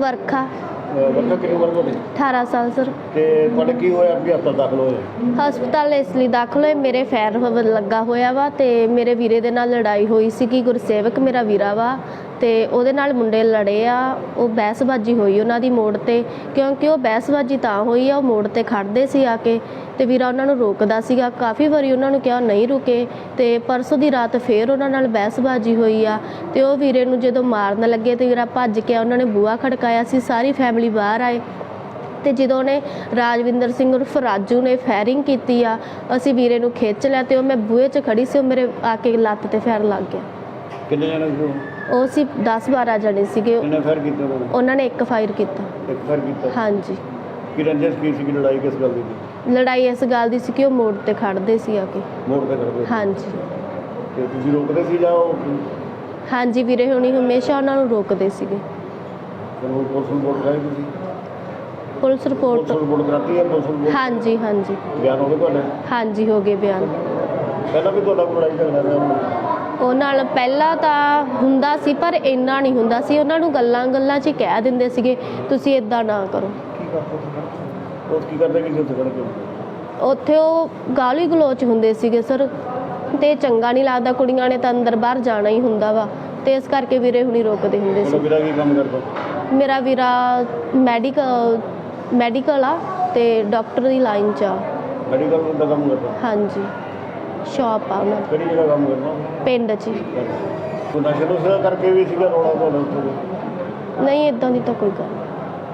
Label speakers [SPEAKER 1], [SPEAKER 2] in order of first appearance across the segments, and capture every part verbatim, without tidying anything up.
[SPEAKER 1] ਵਰਖਾ
[SPEAKER 2] ਵਰਖਾ ਕਿੰਨੀ ਉਮਰ ਤੁਹਾਡੀ?
[SPEAKER 1] अठारह साल सर।
[SPEAKER 2] ਤੇ ਤੁਹਾਡੇ ਕੀ ਹੋਇਆ ਵੀ ਹਸਪਤਾਲ ਦਾਖਲ ਹੋਏ?
[SPEAKER 1] ਹਸਪਤਾਲ ਇਸ ਲਈ ਦਾਖਲ ਹੋਏ, ਮੇਰੇ ਫੈਰ ਲੱਗਾ ਹੋਇਆ ਵਾ ਤੇ ਮੇਰੇ ਵੀਰੇ ਦੇ ਨਾਲ ਲੜਾਈ ਹੋਈ ਸੀ ਕਿ ਗੁਰਸੇਵਕ ਮੇਰਾ ਵੀਰਾ ਵਾ ਤੇ ਉਹਦੇ ਨਾਲ ਮੁੰਡੇ ਲੜੇ ਆ। ਉਹ ਬਹਿਸਬਾਜੀ ਹੋਈ ਉਹਨਾਂ ਦੀ ਮੋੜ ਤੇ, ਕਿਉਂਕਿ ਉਹ ਬਹਿਸਬਾਜੀ ਤਾਂ ਹੋਈ ਆ, ਉਹ ਮੋੜ ਤੇ ਖੜਦੇ ਸੀ ਆ ਕੇ ਤੇ ਵੀਰਾ ਉਹਨਾਂ ਨੂੰ ਰੋਕਦਾ ਸੀਗਾ। ਕਾਫੀ ਵਾਰੀ ਉਹਨਾਂ ਨੂੰ ਕਿਹਾ ਨਹੀਂ ਰੁਕੇ ਤੇ ਪਰਸੋਂ ਦੀ ਰਾਤ ਫੇਰ ਉਹਨਾਂ ਨਾਲ ਬਹਿਸਬਾਜੀ ਹੋਈ ਆ ਤੇ ਉਹ ਵੀਰੇ ਨੂੰ ਜਦੋਂ ਮਾਰਨ ਲੱਗੇ ਤੇ ਵੀਰਾ ਭੱਜ ਕੇ ਉਹਨਾਂ ਨੇ ਬੂਹਾ ਖੜਕਾਇਆ ਸੀ। ਸਾਰੀ ਫੈਮਿਲੀ ਬਾਹਰ ਆਏ ਤੇ ਜਦੋਂ ਉਹਨੇ ਰਾਜਵਿੰਦਰ ਸਿੰਘ ਉਰਫ ਰਾਜੂ ਨੇ ਫਾਇਰਿੰਗ ਕੀਤੀ ਆ, ਅਸੀਂ ਵੀਰੇ ਨੂੰ ਖਿੱਚ ਲਿਆ ਤੇ ਉਹ ਮੈਂ ਬੂਹੇ 'ਚ ਖੜੀ ਸੀ, ਉਹ ਮੇਰੇ ਆ ਕੇ ਲੱਤ ਤੇ ਫੈਰ ਲੱਗ ਗਿਆ।
[SPEAKER 2] ਕਿੰਨੇ ਜਣੇ ਸੀ?
[SPEAKER 1] ਉਹ ਸੀ दस बारह जने ਸੀਗੇ।
[SPEAKER 2] ਕਿੰਨੇ ਫਾਇਰ ਕੀਤੇ ਉਹਨਾਂ
[SPEAKER 1] ਉਹਨਾਂ ਨੇ ਇੱਕ ਫਾਇਰ ਕੀਤਾ।
[SPEAKER 2] ਇੱਕ ਫਾਇਰ ਕੀਤਾ?
[SPEAKER 1] ਹਾਂਜੀ।
[SPEAKER 2] ਕੀ ਰੰਜਿਸ਼ ਕੀ ਸੀ? ਲੜਾਈ ਕਿਸ ਗੱਲ ਦੀ ਸੀ?
[SPEAKER 1] ਲੜਾਈ ਇਸ ਗੱਲ ਦੀ ਸੀ ਕਿ ਉਹ ਮੋੜ ਤੇ ਖੜਦੇ ਸੀ ਆ ਕੇ।
[SPEAKER 2] ਮੋੜ ਤੇ ਖੜਦੇ?
[SPEAKER 1] ਹਾਂਜੀ।
[SPEAKER 2] ਤੇ ਤੁਸੀਂ ਰੋਕਦੇ ਸੀ ਜਾਂ ਉਹ?
[SPEAKER 1] ਹਾਂਜੀ ਵੀਰੇ ਹੁਣੀ ਹਮੇਸ਼ਾ ਉਹਨਾਂ ਨੂੰ ਰੋਕਦੇ ਸੀਗੇ।
[SPEAKER 2] ਫਿਰ ਉਹ ਪੁਲਿਸ ਨੂੰ ਰਿਪੋਰਟ ਕਰਾਈ ਤੁਸੀਂ?
[SPEAKER 1] ਪੁਲਿਸ ਰਿਪੋਰਟ
[SPEAKER 2] ਪੁਲਿਸ ਰਿਪੋਰਟ ਕਰਾਤੀ ਹੈ? Police report?
[SPEAKER 1] ਹਾਂਜੀ ਹਾਂਜੀ।
[SPEAKER 2] ਬਿਆਨ ਹੋ ਗਏ ਤੁਹਾਡੇ?
[SPEAKER 1] ਹਾਂਜੀ ਹੋ ਗਏ ਬਿਆਨ।
[SPEAKER 2] ਪਹਿਲਾਂ ਵੀ ਤੁਹਾਡਾ ਕੋਈ ਲੜਾਈ ਝਗੜਾ ਰਿਹਾ?
[SPEAKER 1] ਉਹ ਨਾਲ ਪਹਿਲਾਂ ਤਾਂ ਹੁੰਦਾ ਸੀ ਪਰ ਇੰਨਾ ਨਹੀਂ ਹੁੰਦਾ ਸੀ। ਉਹਨਾਂ ਨੂੰ ਗੱਲਾਂ ਗੱਲਾਂ 'ਚ ਹੀ ਕਹਿ ਦਿੰਦੇ ਸੀਗੇ ਤੁਸੀਂ ਇੱਦਾਂ ਨਾ ਕਰੋ।
[SPEAKER 2] ਕੀ ਕਰਦੇ ਉਹ ਕੀ ਕਰਦੇ ਕਿ ਉੱਥੇ ਖੜ ਕੇ?
[SPEAKER 1] ਉੱਥੇ ਉਹ ਗਾਲੀ ਗਲੋਚ ਹੁੰਦੇ ਸੀਗੇ ਸਰ ਤੇ ਚੰਗਾ ਨਹੀਂ ਲੱਗਦਾ। ਕੁੜੀਆਂ ਨੇ ਤਾਂ ਅੰਦਰ ਬਾਹਰ ਜਾਣਾ ਹੀ ਹੁੰਦਾ ਵਾ ਤੇ ਇਸ ਕਰਕੇ ਵੀਰੇ ਹੁਣੀ ਰੋਕਦੇ ਹੁੰਦੇ ਸੀ।
[SPEAKER 2] ਵੀਰਾ ਕੀ ਕੰਮ ਕਰਦਾ?
[SPEAKER 1] ਮੇਰਾ ਵੀਰਾ ਮੈਡੀਕਲ ਮੈਡੀਕਲ ਆ ਤੇ ਡਾਕਟਰ ਦੀ ਲਾਈਨ 'ਚ ਆ।
[SPEAKER 2] ਮੈਡੀਕਲ ਦਾ ਕੰਮ ਕਰਦਾ?
[SPEAKER 1] ਹਾਂਜੀ ਸ਼ਾਪ ਆ ਉਹਨਾਂ ਦੀ।
[SPEAKER 2] ਕਿਹੜੀ ਜਗ੍ਹਾ ਕੰਮ ਕਰਦਾ?
[SPEAKER 1] ਪਿੰਡ 'ਚ ਹੀ।
[SPEAKER 2] ਕੋਈ ਨਸ਼ੇ ਨੁਸ਼ੇ ਕਰਕੇ ਵੀ ਸੀਗਾ ਰੌਲਾ ਤੁਹਾਡਾ ਉੱਥੇ?
[SPEAKER 1] ਨਹੀਂ ਇੱਦਾਂ ਦੀ ਤਾਂ ਕੋਈ ਗੱਲ ਨਹੀਂ।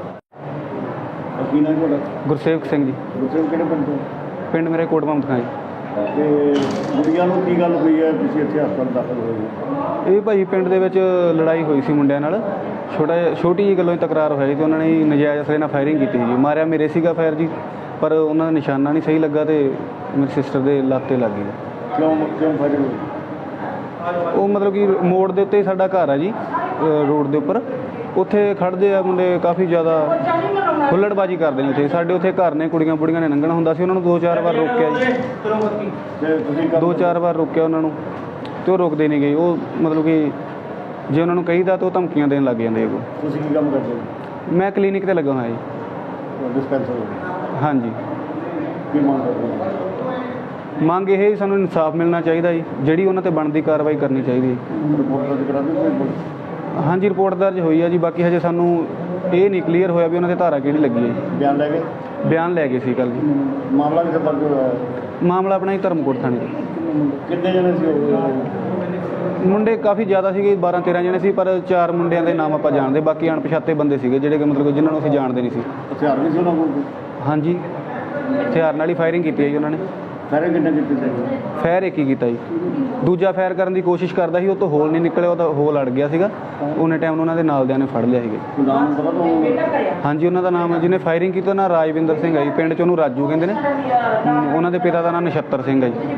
[SPEAKER 2] ਕੀ ਨਾਮ ਤੁਹਾਡਾ?
[SPEAKER 3] ਗੁਰਸੇਵਕ ਸਿੰਘ ਜੀ।
[SPEAKER 2] ਗੁਰਸੇਵਕ ਕਿਹੜੇ ਪਿੰਡ ਤੋਂ?
[SPEAKER 3] ਪਿੰਡ ਮੇਰੇ ਕੋਟ ਮਮਦਖਾਂ ਜੀ।
[SPEAKER 2] ਤੇ ਕੁੜੀਆਂ ਨੂੰ ਕੀ ਗੱਲ ਹੋਈ ਹੈ ਤੁਸੀਂ ਇੱਥੇ ਹਸਪਤਾਲ ਦਾਖਲ ਹੋਏ ਹੋ?
[SPEAKER 3] ਇਹ ਭਾਈ ਪਿੰਡ ਦੇ ਵਿੱਚ ਲੜਾਈ ਹੋਈ ਸੀ ਮੁੰਡਿਆਂ ਨਾਲ। ਛੋਟਾ ਛੋਟੀ ਜਿਹੀ ਗੱਲੋਂ ਹੀ ਤਕਰਾਰ ਹੋਇਆ ਜੀ ਤੇ ਉਹਨਾਂ ਨੇ ਨਜਾਇਜ਼ ਅਸਲੇ ਨਾਲ ਫਾਇਰਿੰਗ ਕੀਤੀ ਜੀ। ਮਾਰਿਆ ਮੇਰੇ ਸੀਗਾ ਫਾਇਰ ਜੀ, ਪਰ ਉਹਨਾਂ ਦਾ ਨਿਸ਼ਾਨਾ ਨਹੀਂ ਸਹੀ ਲੱਗਾ ਤੇ ਮੇਰੀ ਸਿਸਟਰ ਦੇ ਲੱਤ 'ਤੇ ਲੱਗ ਗਈ।
[SPEAKER 2] ਕਿਉਂ ਕਿਉਂ ਫਾਇਰਿੰਗ ਹੋਈ?
[SPEAKER 3] ਉਹ ਮਤਲਬ ਕਿ ਮੋੜ ਦੇ ਉੱਤੇ ਹੀ ਸਾਡਾ ਘਰ ਆ ਜੀ, ਰੋਡ ਦੇ ਉੱਪਰ। ਉੱਥੇ ਖੜ੍ਹਦੇ ਆ ਮੁੰਡੇ, ਕਾਫੀ ਜ਼ਿਆਦਾ ਹੁੱਲੜਬਾਜੀ ਕਰਦੇ ਨੇ ਉੱਥੇ। ਸਾਡੇ ਉੱਥੇ ਘਰ ਨੇ, ਕੁੜੀਆਂ ਬੁੜੀਆਂ ਨੇ ਲੰਘਣਾ ਹੁੰਦਾ ਸੀ, ਉਹਨਾਂ ਨੂੰ ਦੋ ਚਾਰ ਵਾਰ ਰੋਕਿਆ ਜੀ।
[SPEAKER 2] ਤੇ ਤੁਸੀਂ
[SPEAKER 3] ਦੋ ਚਾਰ ਵਾਰ ਰੋਕਿਆ ਉਹਨਾਂ ਨੂੰ ਤੇ ਉਹ ਰੁਕਦੇ ਨਹੀਂ ਗਏ। ਉਹ ਮਤਲਬ ਕਿ ਜੇ ਉਹਨਾਂ ਨੂੰ ਕਹੀਦਾ ਤਾਂ ਉਹ ਧਮਕੀਆਂ ਦੇਣ ਲੱਗ ਜਾਂਦੇ। ਅੱਗੋਂ
[SPEAKER 2] ਤੁਸੀਂ ਕੀ ਕੰਮ ਕਰਦੇ ਹੋ?
[SPEAKER 3] ਮੈਂ ਕਲੀਨਿਕ 'ਤੇ ਲੱਗਾ ਹੋਇਆ ਜੀ।
[SPEAKER 2] ਡਿਸਪੈਂਸਰ?
[SPEAKER 3] ਹਾਂਜੀ।
[SPEAKER 2] ਕੀ ਮੰਗ ਕਰਦੇ ਹੋ?
[SPEAKER 3] ਮੰਗ ਇਹ ਹੀ ਸਾਨੂੰ ਇਨਸਾਫ ਮਿਲਣਾ ਚਾਹੀਦਾ ਜੀ, ਜਿਹੜੀ ਉਹਨਾਂ 'ਤੇ ਬਣਦੀ ਕਾਰਵਾਈ ਕਰਨੀ ਚਾਹੀਦੀ ਹੈ।
[SPEAKER 2] ਰਿਪੋਰਟ ਦਰਜ ਕਰਾ ਦਿੱਤੀ?
[SPEAKER 3] ਹਾਂਜੀ ਰਿਪੋਰਟ ਦਰਜ ਹੋਈ ਹੈ ਜੀ। ਬਾਕੀ ਹਜੇ ਸਾਨੂੰ ਇਹ ਨਹੀਂ ਕਲੀਅਰ ਹੋਇਆ ਵੀ ਉਹਨਾਂ 'ਤੇ ਧਾਰਾ ਕਿਹੜੀ ਲੱਗੀ ਹੈ ਜੀ।
[SPEAKER 2] ਬਿਆਨ ਲੈ ਗਏ?
[SPEAKER 3] ਬਿਆਨ ਲੈ ਗਏ ਸੀ ਕੱਲ੍ਹ ਜੀ।
[SPEAKER 2] ਮਾਮਲਾ ਕਿੱਥੇ ਦਰਜ ਹੋਇਆ?
[SPEAKER 3] ਮਾਮਲਾ ਆਪਣਾ ਹੀ ਧਰਮਕੋਟ ਥਾਣੇ 'ਚ।
[SPEAKER 2] ਕਿੰਨੇ ਜਣੇ ਸੀ ਉਹ?
[SPEAKER 3] ਮੁੰਡੇ ਕਾਫੀ ਜ਼ਿਆਦਾ ਸੀਗੇ, ਬਾਰਾਂ ਤੇਰਾਂ ਜਣੇ ਸੀ, ਪਰ ਚਾਰ ਮੁੰਡਿਆਂ ਦੇ ਨਾਮ ਆਪਾਂ ਜਾਣਦੇ, ਬਾਕੀ ਅਣਪਛਾਤੇ ਬੰਦੇ ਸੀਗੇ ਜਿਹੜੇ ਕਿ ਮਤਲਬ ਜਿਨ੍ਹਾਂ ਨੂੰ ਅਸੀਂ ਜਾਣਦੇ ਨਹੀਂ ਸੀ।
[SPEAKER 2] ਹਥਿਆਰ ਵੀ ਸੀ ਉਹਨਾਂ ਕੋਲ?
[SPEAKER 3] ਹਾਂਜੀ ਹਥਿਆਰ ਨਾਲ ਹੀ ਫਾਇਰਿੰਗ ਕੀਤੀ ਹੈ ਜੀ ਉਹਨਾਂ ਨੇ।
[SPEAKER 2] ਫਾਇਰਿੰਗ ਕਿੰਨੇ ਕੀਤੀ ਸੀ?
[SPEAKER 3] ਫਾਇਰ ਇੱਕ ਹੀ ਕੀਤਾ ਜੀ। ਦੂਜਾ ਫਾਇਰ ਕਰਨ ਦੀ ਕੋਸ਼ਿਸ਼ ਕਰਦਾ ਸੀ, ਉਹ ਤੋਂ ਹੋਲ ਨਹੀਂ ਨਿਕਲਿਆ, ਉਹ ਤਾਂ ਹੋਲ ਅੜ ਗਿਆ ਸੀਗਾ। ਉਹਨੇ ਟਾਈਮ ਉਹਨਾਂ ਦੇ ਨਾਲਦਿਆਂ ਨੇ ਫੜ ਲਿਆ ਸੀਗੇ।
[SPEAKER 2] ਨਾਮ ਪਤਾ ਤੁਹਾਨੂੰ?
[SPEAKER 3] ਹਾਂਜੀ ਉਹਨਾਂ ਦਾ ਨਾਮ ਜਿਹਨੇ ਫਾਇਰਿੰਗ ਕੀਤੀ ਉਹਨਾਂ ਰਾਜਵਿੰਦਰ ਸਿੰਘ ਹੈ ਜੀ, ਪਿੰਡ 'ਚ ਉਹਨੂੰ ਰਾਜੂ ਕਹਿੰਦੇ ਨੇ। ਉਹਨਾਂ ਦੇ ਪਿਤਾ ਦਾ ਨਾਮ ਨਛੱਤਰ ਸਿੰਘ ਹੈ ਜੀ।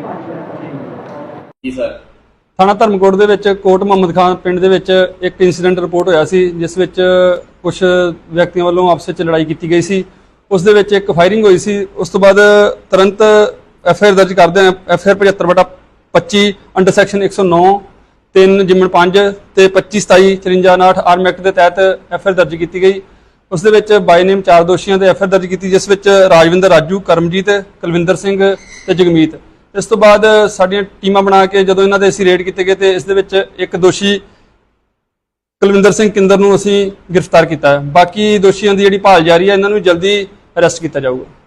[SPEAKER 4] ਜੀ ਸਰ।
[SPEAKER 5] ਥਾਣਾ ਧਰਮਕੋਟ ਦੇ ਵਿੱਚ ਕੋਟ ਮੁਹੰਮਦ ਖਾਨ ਪਿੰਡ ਦੇ ਵਿੱਚ ਇੱਕ ਇਨਸੀਡੈਂਟ ਰਿਪੋਰਟ ਹੋਇਆ ਸੀ, ਜਿਸ ਵਿੱਚ ਕੁਝ ਵਿਅਕਤੀਆਂ ਵੱਲੋਂ ਆਪਸ ਵਿੱਚ ਲੜਾਈ ਕੀਤੀ ਗਈ ਸੀ। ਉਸ ਦੇ ਵਿੱਚ ਇੱਕ ਫਾਇਰਿੰਗ ਹੋਈ ਸੀ। ਉਸ ਤੋਂ ਬਾਅਦ ਤੁਰੰਤ ਐਫ ਆਈ ਆਰ ਦਰਜ ਕਰਦੇ ਹਾਂ। ਐਫ ਆਈ ਆਰ ਪਝੱਤਰ ਬਟਾ ਪੱਚੀ ਅੰਡਰ ਸੈਕਸ਼ਨ ਇੱਕ ਸੌ ਨੌ ਤਿੰਨ ਜਿਮਨ ਪੰਜ ਤੇ ਪੱਚੀ ਸਤਾਈ ਚੁਰੰਜਾ ਉਨਾਹਠ ਆਰਮ ਐਕਟ ਦੇ ਤਹਿਤ ਐਫ ਆਈ ਆਰ ਦਰਜ ਕੀਤੀ ਗਈ। ਉਸ ਦੇ ਵਿੱਚ ਬਾਈ ਨੇਮ ਚਾਰ ਦੋਸ਼ੀਆਂ ਤੇ ਐਫ ਆਈ ਆਰ ਦਰਜ ਕੀਤੀ, ਜਿਸ ਵਿੱਚ ਰਾਜਵਿੰਦਰ, ਰਾਜੂ, ਕਰਮਜੀਤ, ਕੁਲਵਿੰਦਰ ਸਿੰਘ ਤੇ ਜਗਮੀਤ। ਇਸ ਤੋਂ ਬਾਅਦ ਸਾਡੀਆਂ ਟੀਮਾਂ ਬਣਾ ਕੇ ਜਦੋਂ ਇਹਨਾਂ ਦੇ ਅਸੀਂ ਰੇਡ ਕੀਤੇ ਗਏ ਤੇ ਇਸ ਦੇ ਵਿੱਚ ਇੱਕ ਦੋਸ਼ੀ ਕੁਲਵਿੰਦਰ ਸਿੰਘ ਕਿੰਦਰ ਨੂੰ ਅਸੀਂ ਗ੍ਰਿਫਤਾਰ ਕੀਤਾ ਹੈ। ਬਾਕੀ ਦੋਸ਼ੀਆਂ ਦੀ ਜਿਹੜੀ ਭਾਲ ਜਾਰੀ ਹੈ, ਇਹਨਾਂ ਨੂੰ ਜਲਦੀ ਅਰੈਸਟ ਕੀਤਾ ਜਾਊਗਾ।